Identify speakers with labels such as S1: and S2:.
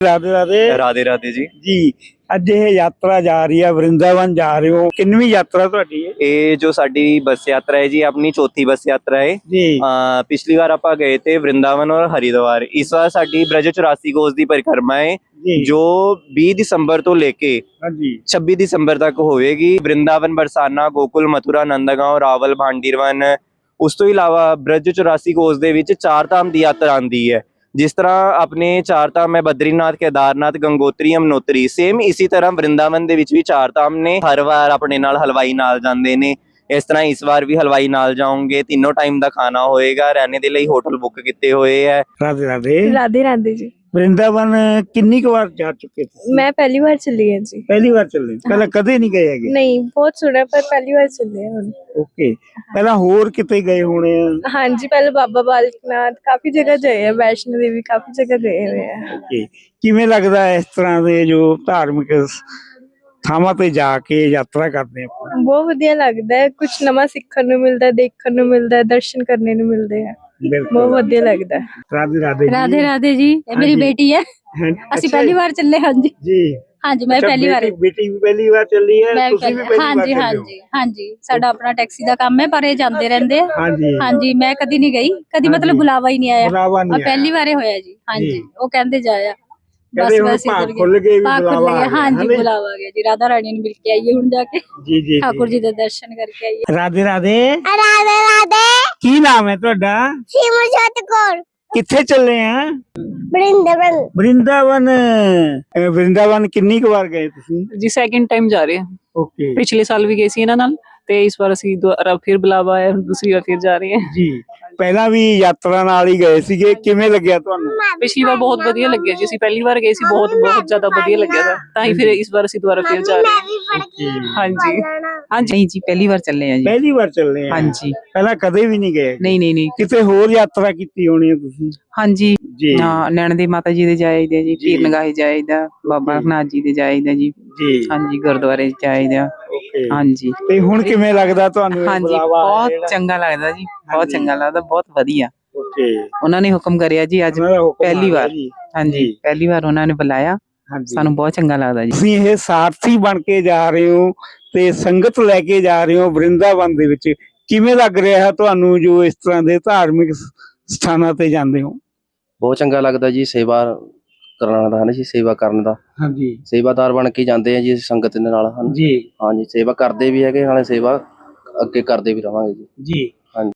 S1: राधे राधे
S2: राधे राधे जी।
S1: जी। ਅੱਜ ਇਹ ਯਾਤਰਾ ਜਾ ਰਹੀ ਹੈ ਵਰਿੰਦਾਵਨ ਜਾ ਰਹੇ ਹੋ ਕਿੰਨਵੀਂ ਯਾਤਰਾ ਤੁਹਾਡੀ ਹੈ
S2: ਇਹ ਜੋ ਸਾਡੀ ਬੱਸ ਯਾਤਰਾ ਹੈ ਜੀ ਆਪਣੀ ਚੌਥੀ ਬੱਸ ਯਾਤਰਾ ਹੈ।
S1: ਜੀ
S2: ਪਿਛਲੀ ਵਾਰ ਆਪਾਂ ਗਏ थे वृंदावन और हरिद्वार। इस बार ਸਾਡੀ ब्रज 84 कोस ਦੀ परिक्रमा है
S1: जी
S2: जो 20 ਦਸੰਬਰ ਤੋਂ ਲੈ ਕੇ
S1: ਹਾਂਜੀ
S2: 26 ਦਸੰਬਰ ਤੱਕ ਹੋਵੇਗੀ। ਵਰਿੰਦਾਵਨ, ਬਰਸਾਨਾ, ਗੋਕੁਲ, ਮਥੁਰਾ, ਨੰਦਗਾਂਵ, ਰਾਵਲ, ਭਾਂਡੀਰਵਨ। ਉਸ ਤੋਂ ਇਲਾਵਾ ब्रज 84 ਕੋਸ ਦੇ ਵਿੱਚ ਚਾਰ ਧਾਮ ਦੀ ਯਾਤਰਾ ਆਉਂਦੀ ਹੈ। जिस तरह अपने चार धाम है बद्रीनाथ, केदारनाथ, गंगोत्री, यमुनोत्री, सेम इसी तरह वृंदावन ਦੇ ਵਿੱਚ ਵੀ ਚਾਰ ਧਾਮ ਨੇ। ਹਰ ਵਾਰ ਆਪਣੇ ਨਾਲ ਹਲਵਾਈ ਨਾਲ ਜਾਂਦੇ ਨੇ। ਇਸ ਤਰ੍ਹਾਂ ਇਸ ਵਾਰ ਵੀ ਹਲਵਾਈ ਨਾਲ ਜਾਓਗੇ। ਤਿੰਨੋਂ ਟਾਈਮ ਦਾ ਖਾਣਾ ਹੋਏਗਾ। ਰਹਿਣੇ ਦੇ ਲਈ ਹੋਟਲ ਬੁੱਕ ਕੀਤੇ ਹੋਏ ਹੈ।
S1: राधे राधे
S3: राधे राधे जी।
S1: वृंदावन किन्नी को बार जा चुके थे
S3: मैं पहली बार चली है जी।
S1: पहली बार चले पहले कदे नहीं गए हैगे
S3: नहीं, बहुत सुना पर पहली बार चले हैं।
S1: ओके पहला होर किते गए होने हैं?
S3: हाँ जी, पहले बाबा बालकनाथ काफी जगह गए हैं, वैष्णो देवी काफी जगह गए हुए हैं।
S1: ओके किवें लगदा है इस तरह दे जो धार्मिक ਥਾਵਾਂ ਤੇ ਜਾ ਕੇ ਯਾਤਰਾ ਕਰਦੇ ਆਪਾਂ
S3: बहुत ਵਧੀਆ लगता है, कुछ नवा सीखने ਨੂੰ मिलता है, देखने ਨੂੰ मिलता है, दर्शन करने ਨੂੰ मिलते हैं। बहुत ਵਧੀਆ लगता है।
S1: राधे राधे जी।
S4: राधे राधे जी। ये मेरी बेटी है। ਅਸੀਂ ਪਹਿਲੀ ਵਾਰ ਚੱਲੇ। ਹਾਂਜੀ
S1: जी
S4: ਹਾਂਜੀ ਮੈਂ ਪਹਿਲੀ ਵਾਰ
S1: बेटी भी पहली बार चली है
S4: ਮੈਂ
S1: ਤੁਸੀਂ ਵੀ ਪਹਿਲੀ ਵਾਰ
S4: ਹਾਂਜੀ
S1: ਚੱਲੇ ਹੋ
S4: ਹਾਂਜੀ ਹਾਂਜੀ ਸਾਡਾ ਆਪਣਾ ਟੈਕਸੀ ਦਾ ਕੰਮ ਹੈ ਪਰ ਇਹ ਜਾਂਦੇ ਰਹਿੰਦੇ ਆ।
S1: ਹਾਂਜੀ
S4: ਹਾਂਜੀ ਮੈਂ ਕਦੀ ਨਹੀਂ ਗਈ, ਕਦੀ
S1: ਹਾਂਜੀ।
S4: ਮਤਲਬ ਬੁਲਾਵਾ ਹੀ ਨਹੀਂ ਆਇਆ।
S1: ਬੁਲਾਵਾ
S4: ਆ
S1: ਨਹੀਂ
S4: ਪਹਿਲੀ ਵਾਰੇ ਹੋਇਆ ਜੀ।
S1: ਜੀ।
S4: ਹਾਂਜੀ ਉਹ ਕਹਿੰਦੇ ਜਾਇਆ
S1: ਕਹਿੰਦੇ ਹੁਣ ਭਾਗ ਖੁੱਲ ਗਏ ਵੀ ਬੁਲਾਵਾ ਆ ਗਿਆ।
S4: ਹਾਂਜੀ ਬੁਲਾਵਾ ਆ ਗਿਆ ਜੀ। ਰਾਧਾ ਰਾਣੀ ਨੂੰ ਮਿਲ ਕੇ ਆਈਏ ਹੁਣ ਜਾ ਕੇ।
S1: ਜੀ ਜੀ
S4: ਠਾकुर जी ਦੇ ਦਰਸ਼ਨ ਕਰਕੇ ਆਈਏ।
S1: ਰਾਧੇ ਰਾਧੇ
S5: राधे राधे।
S1: ਕੀ ਨਾਮ ਹੈ ਤੁਹਾਡਾ
S5: सिमरजोत कौर।
S1: ਕਿੱਥੇ ਚੱਲੇ ਆ
S5: वृंदावन।
S1: ਵਰਿੰਦਾਵਨ ਵਰਿੰਦਾਵਨ ਕਿੰਨੀ ਕੁ ਵਾਰ ਗਏ ਤੁਸੀਂ
S6: ਜੀ ਸੈਕਿੰਡ ਟਾਈਮ ਜਾ ਰਹੇ ਹਾਂ।
S1: ਓਕੇ
S6: ਪਿਛਲੇ ਸਾਲ ਵੀ ਗਏ ਸੀ ਇਹਨਾਂ ਨਾਲ ਤੇ ਇਸ ਵਾਰ ਅਸੀਂ ਦੁਬਾਰਾ ਫਿਰ ਬੁਲਾਵਾ ਆਇਆ, ਹੁਣ ਦੂਸਰੀ ਵਾਰ ਫਿਰ ਜਾ ਰਹੇ ਹਾਂ।
S1: ਜੀ ਪਹਿਲਾਂ ਵੀ ਯਾਤਰਾ ਨਾਲ ਹੀ ਗਏ ਸੀਗੇ ਕਿਵੇਂ ਲੱਗਿਆ ਤੁਹਾਨੂੰ
S6: ਪਿਛਲੀ ਵਾਰ ਬਹੁਤ ਵਧੀਆ ਲੱਗਿਆ ਜੀ। ਅਸੀਂ ਪਹਿਲੀ ਵਾਰ ਗਏ ਸੀ, ਬਹੁਤ ਬਹੁਤ ਜ਼ਿਆਦਾ ਵਧੀਆ ਲੱਗਿਆ था। ਤਾਂ ਹੀ ਫਿਰ ਇਸ ਵਾਰ ਅਸੀਂ ਦੁਬਾਰਾ ਫਿਰ ਜਾ ਰਹੇ ਹਾਂ। ਹਾਂਜੀ ਹਾਂਜੀ
S7: नहीं जी पहली बार चल रहे हैं जी।
S1: ਪਹਿਲੀ ਵਾਰ ਚੱਲੇ ਆ
S7: हाँ जी
S1: ਪਹਿਲਾਂ ਕਦੇ ਵੀ ਨਹੀਂ ਗਏ
S7: नहीं नहीं नहीं
S1: ਕਿਤੇ ਹੋਰ ਯਾਤਰਾ ਕੀਤੀ ਹੋਣੀ ਹੈ ਤੁਸੀਂ
S7: हाँ जी
S1: ਜੀ
S7: हाँ नैना देवी माता जी दे जाईदा जी,
S1: जी।
S7: पीर नगाहे जाईदा, बाबा नाथ जी दे जाईदा जी।
S1: ਜੀ
S7: हाँ जी गुरुद्वारे जाईदा।
S1: ਓਕੇ
S7: हाँ जी
S1: ਤੇ ਹੁਣ ਕਿਵੇਂ ਲੱਗਦਾ ਤੁਹਾਨੂੰ ਇਹ
S7: हाँ जी
S1: ਬੁਲਾਵਾ ਆਇਆ
S7: बहुत
S1: ਜਿਹੜਾ?
S7: चंगा लगदा जी, बहुत
S1: जी।
S7: चंगा लगदा, बहुत वधिया।
S1: ਓਕੇ
S7: उन्होंने हुक्म करिया जी अज
S1: ਉਹਨਾਂ ਦਾ ਹੁਕਮ
S7: पहली
S1: ਆ ਗਿਆ
S7: बार।
S1: ਜੀ।
S7: हाँ जी
S1: जी।
S7: पहली बार उन्होंने बुलाया,
S1: ਹਾਂਜੀ
S7: सानू बहुत चंगा लगदा जी।
S1: ਤੁਸੀਂ ਇਹ ਸਾਰਥੀ ਬਣ ਕੇ ਜਾ ਰਹੇ ਹੋ ਤੇ ਸੰਗਤ ਲੈ ਕੇ ਜਾ ਰਹੇ ਹੋ ਵਰਿੰਦਾਵਨ ਦੇ ਵਿੱਚ ਕਿਵੇਂ ਲੱਗ ਰਿਹਾ ਹੈ ਤੁਹਾਨੂੰ ਜੋ ਇਸ ਤਰ੍ਹਾਂ ਦੇ ਧਾਰਮਿਕ ਸਥਾਨਾਂ ਤੇ ਜਾਂਦੇ ਹੋ
S8: ਬਹੁਤ ਚੰਗਾ ਲੱਗਦਾ ਜੀ। ਸੇਵਾ ਕਰਨ ਦਾ ਹੈ ਜੀ, ਸੇਵਾ ਕਰਨ ਦਾ
S1: ਹਾਂਜੀ
S8: ਸੇਵਾਦਾਰ ਬਣ ਕੇ ਜਾਂਦੇ ਆ ਜੀ ਸੰਗਤ ਦੇ ਨਾਲ ਹਨ।
S1: ਜੀ
S8: ਹਾਂਜੀ ਸੇਵਾ ਕਰਦੇ ਵੀ ਹੈਗੇ, ਨਾਲੇ ਸੇਵਾ ਅੱਗੇ ਕਰਦੇ ਵੀ ਰਵਾਂਗੇ ਜੀ।
S1: ਜੀ